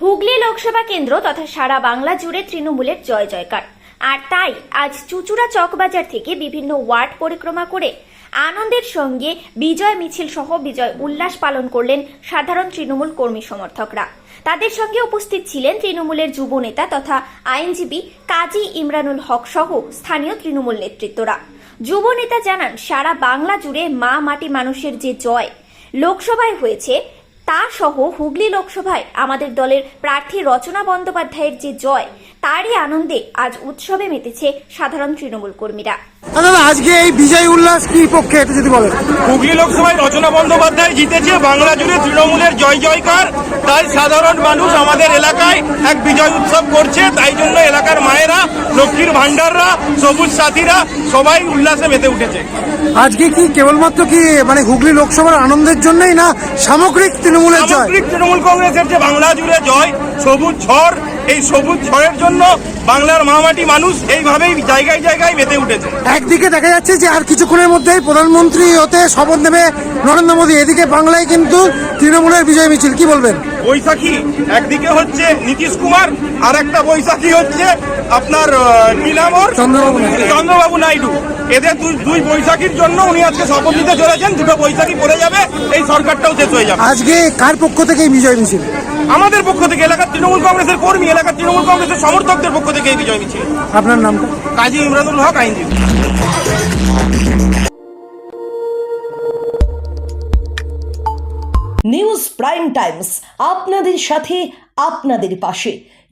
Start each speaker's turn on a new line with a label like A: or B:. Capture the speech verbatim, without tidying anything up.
A: হুগলি লোকসভা কেন্দ্র তথা সারা বাংলা জুড়ে তৃণমূলের জয় জয়কার। আর তাই আজ চুচুড়া চকবাজার থেকে বিভিন্ন ওয়ার্ড পরিক্রমা করে আনন্দের সঙ্গে বিজয় মিছিল সহ বিজয় উল্লাস পালন করলেন সাধারণ তৃণমূল কর্মী সমর্থকরা। তাদের সঙ্গে উপস্থিত ছিলেন তৃণমূলের যুব নেতা তথা আইনজীবী কাজী ইমরানুল হক সহ স্থানীয় তৃণমূল নেতৃত্বরা। যুব নেতা জানান, সারা বাংলা জুড়ে মা মাটি মানুষের যে জয় লোকসভায় হয়েছে তা সহ হুগলি লোকসভায় আমাদের দলের প্রার্থী রচনা বন্দ্যোপাধ্যায়ের যে জয়, তারই আনন্দে আজ উৎসবে মেতেছে সাধারণ তৃণমূল কর্মীরা।
B: দাদা, আজকে এই বিজয় উল্লাস কি পক্ষে একটু যদি বলেন।
C: হুগলি লোকসভায় রচনা বন্দ্যোপাধ্যায় জিতেছে, বাংলা জুড়ে তৃণমূলের জয় জয়কার। তাই সাধারণ মানুষ আমাদের এলাকায় এক বিজয় উৎসব করছে। তাই জন্য এলাকার মায়েরা, লক্ষ্মীর ভান্ডাররা, সবুজ সাথীরা সবাই উল্লাসে মেতে উঠেছে।
B: আজকে কি কেবলমাত্র কি মানে হুগলি লোকসভার আনন্দের জন্যই, না সামগ্রিক তৃণমূলের জয়?
C: সামগ্রিক তৃণমূল কংগ্রেসের যে বাংলা জুড়ে জয়, সবুজ ঝড়, এই সবুজ ঝড়ের জন্য বাংলার মামাটি মানুষ এইভাবেই জায়গায় জায়গায় মেতে উঠেছে।
B: একদিকে দেখা যাচ্ছে যে আর কিছুক্ষণের মধ্যেই প্রধানমন্ত্রী হতে শপথ নেবে নরেন্দ্র মোদী, এদিকে বাংলায় কিন্তু তৃণমূলের বিজয় মিছিল, কি বলবেন?
C: বৈশাখী একদিকে হচ্ছে নীতিশ কুমার, আর একটা বৈশাখী হচ্ছে আপনার কি নাম ওর?
B: চন্দ্রবাবু নাইডু।
C: চন্দ্রবাবু নাইডু। এদের দুই বৈশাখীর জন্য উনি আজকে শপথ নিতে চলেছেন। দুটো বৈশাখী পড়ে যাবে, এই সরকারটাও শেষ হয়ে যাবে।
B: আজকে কার পক্ষ থেকে এই বিজয় মিছিল?
C: আমাদের পক্ষ থেকে, এলাকার তৃণমূল কংগ্রেসের কর্মী, এলাকার তৃণমূল কংগ্রেসের সমর্থকদের পক্ষ থেকে এই বিজয় মিছিল।
B: আপনার নামটা?
C: কাজী ইমরানুল হক, আইনজীবী।
D: নিউজ প্রাইম টাইমস, আপনাদের সাথে আপনাদের পাশে।